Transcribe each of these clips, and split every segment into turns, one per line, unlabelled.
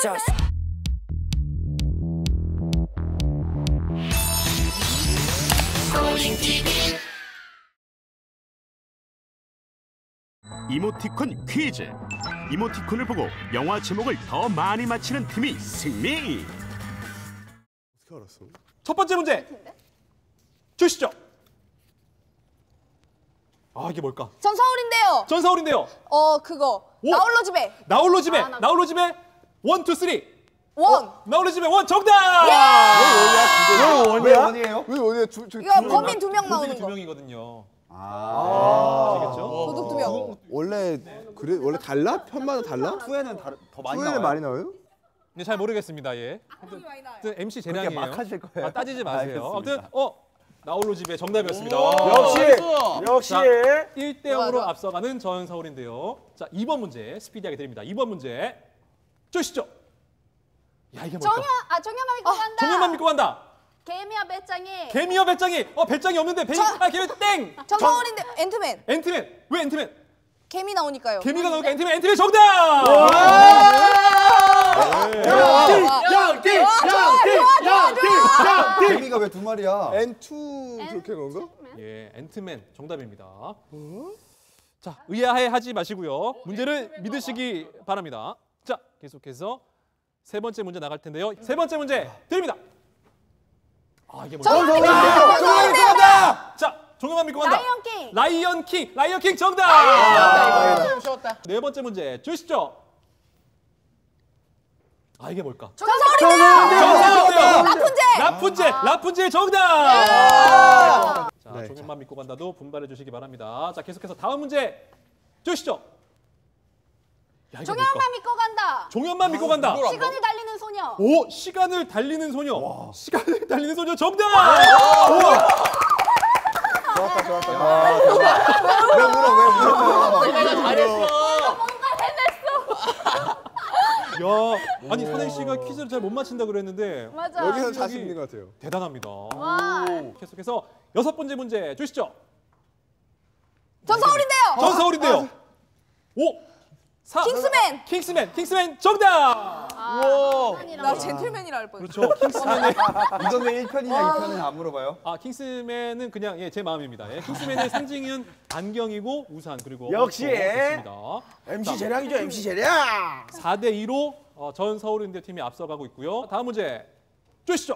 Just.
이모티콘 퀴즈. 이모티콘을 보고 영화 제목을 더 많이 맞히는 팀이 승리.
어떻게 알았어?
첫 번째 문제 주시죠. 아, 이게 뭘까?
전 서울인데요.
전 서울인데요.
그거.
오!
나홀로 집에.
나홀로 집에. 나홀로 집에 1, 2, 3.
원.
나홀로 집에 원 정답!
왜 원이에요? 왜 원이에요?
이거 범인 2명 나오는
범인
거.
2명이거든요. 아시겠죠?
도둑 2명.
원래 그래 원래 달라? 편마다 달라?
후에는 더 많이
후에는
나와요.
많이 나와요?
네, 잘 모르겠습니다. 예.
많이 나와요.
아무튼 MC 재량이에요.
막 하실 거예요?
아, 따지지 마세요.
알겠습니다.
아무튼 나홀로 집에 정답이었습니다.
역시.
자, 1대 0으로
좋아.
앞서가는 전 서울인데요. 자, 2번 문제 스피디하게 드립니다. 2번 문제 주시죠. 야, 이게 뭘까?
정연만 믿고 간다.
정연만 믿고 간다.
개미와 배짱이.
개미와 배짱이. 배짱이 없는데 개미 땡.
전 서울인데 앤트맨.
앤트맨. 왜 앤트맨?
개미 나오니까요.
개미가 나오니까 앤트맨 정답!
개미가 왜 2마리야?
N2 그렇게 그런가?
예, 앤트맨 정답입니다. 자, 의아해하지 마시고요. 문제를 믿으시기 바랍니다. 자, 계속해서 세 번째 문제 나갈 텐데요. 세 번째 문제 드립니다. 아, 이게 뭐야?
정답!
자, 종영만 믿고 간다. 라이언 킹 정답!
쉬웠다.
네 번째 문제 주시죠. 아, 이게 뭘까?
전 서울인데요.
라푼젤 정답! 자,
네,
종영만 믿고 간다도 분발해 주시기 바랍니다. 자, 계속해서 다음 문제 주시죠. 야, 이게 뭘까?
정연만 믿고 간다.
종현만 믿고 간다.
시간이 달리는 소녀.
오, 시간을 달리는 소녀. 시간을 달리는 소녀 정답!
좋았다. 왜 울어?
내가 잘했어.
야, 아니 선행 씨가 퀴즈를 잘 못 맞힌다 그랬는데
맞아.
여기서 자신 있는 것 같아요.
대단합니다.
와.
계속해서 6번째 문제 주시죠.
전 서울인데요.
전 서울인데요. 5, 4. 킹스맨 정답!
나 젠틀맨이라 할 뻔.
그렇죠. 킹스맨의
이건 왜 1편이냐 2편은 안 물어봐요?
킹스맨은 그냥 제 마음입니다. 킹스맨의 상징은 안경이고 우산 그리고
역시.
있습니다.
MC 재량이죠, MC 재량.
4대 2로 전 서울인대 팀이 앞서가고 있고요. 다음 문제 주시죠.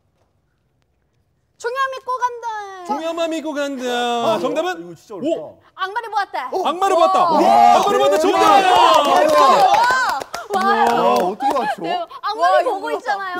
정연 믿고 간다.
종야만 믿고 간다. 정답은
이거 진짜 어렵다.
5.
악마를 보았다.
악마를 봤다. 정답!
와, 어떻게 맞춰?
악마를 보고 있잖아요.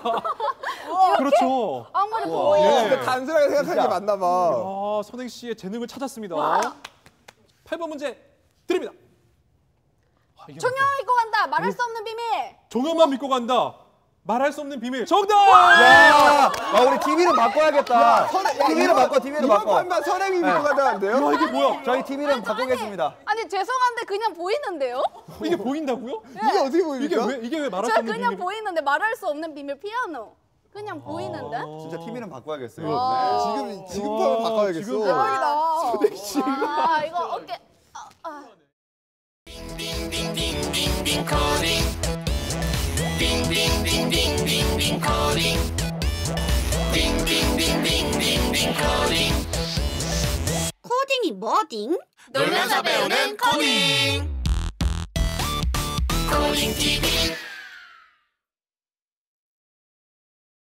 그렇죠.
악마를 보고
예.
있어.
단순하게 생각하는 게 맞나 봐.
선행 씨의 재능을 찾았습니다. 8번 문제 드립니다. 이게
정연
뭘까?
믿고 간다. 말할 수 없는 비밀.
종현만 믿고 간다. 말할 수 없는 비밀. 정답!
야, 우리 TV를 바꿔야겠다. TV를 바꿔.
이번 판만 선행이 믿고 간다는데요?
야, 이게 뭐야?
저희 TV는 바꾸겠습니다.
아니 죄송한데 그냥 보이는데요?
이게 보인다고요?
이게 어떻게 보입니까?
이게 왜 말할 수
저
없는
그냥
비밀?
보이는데 말할 수 없는 비밀 피아노. 그냥 보이는데?
진짜 TV는 바꿔야겠어요.
지금 판만 바꿔야겠어.
지금
대박이다. 이거 어깨.
코딩이 뭐딩?
놀면서 배우는 코딩. 코딩 TV.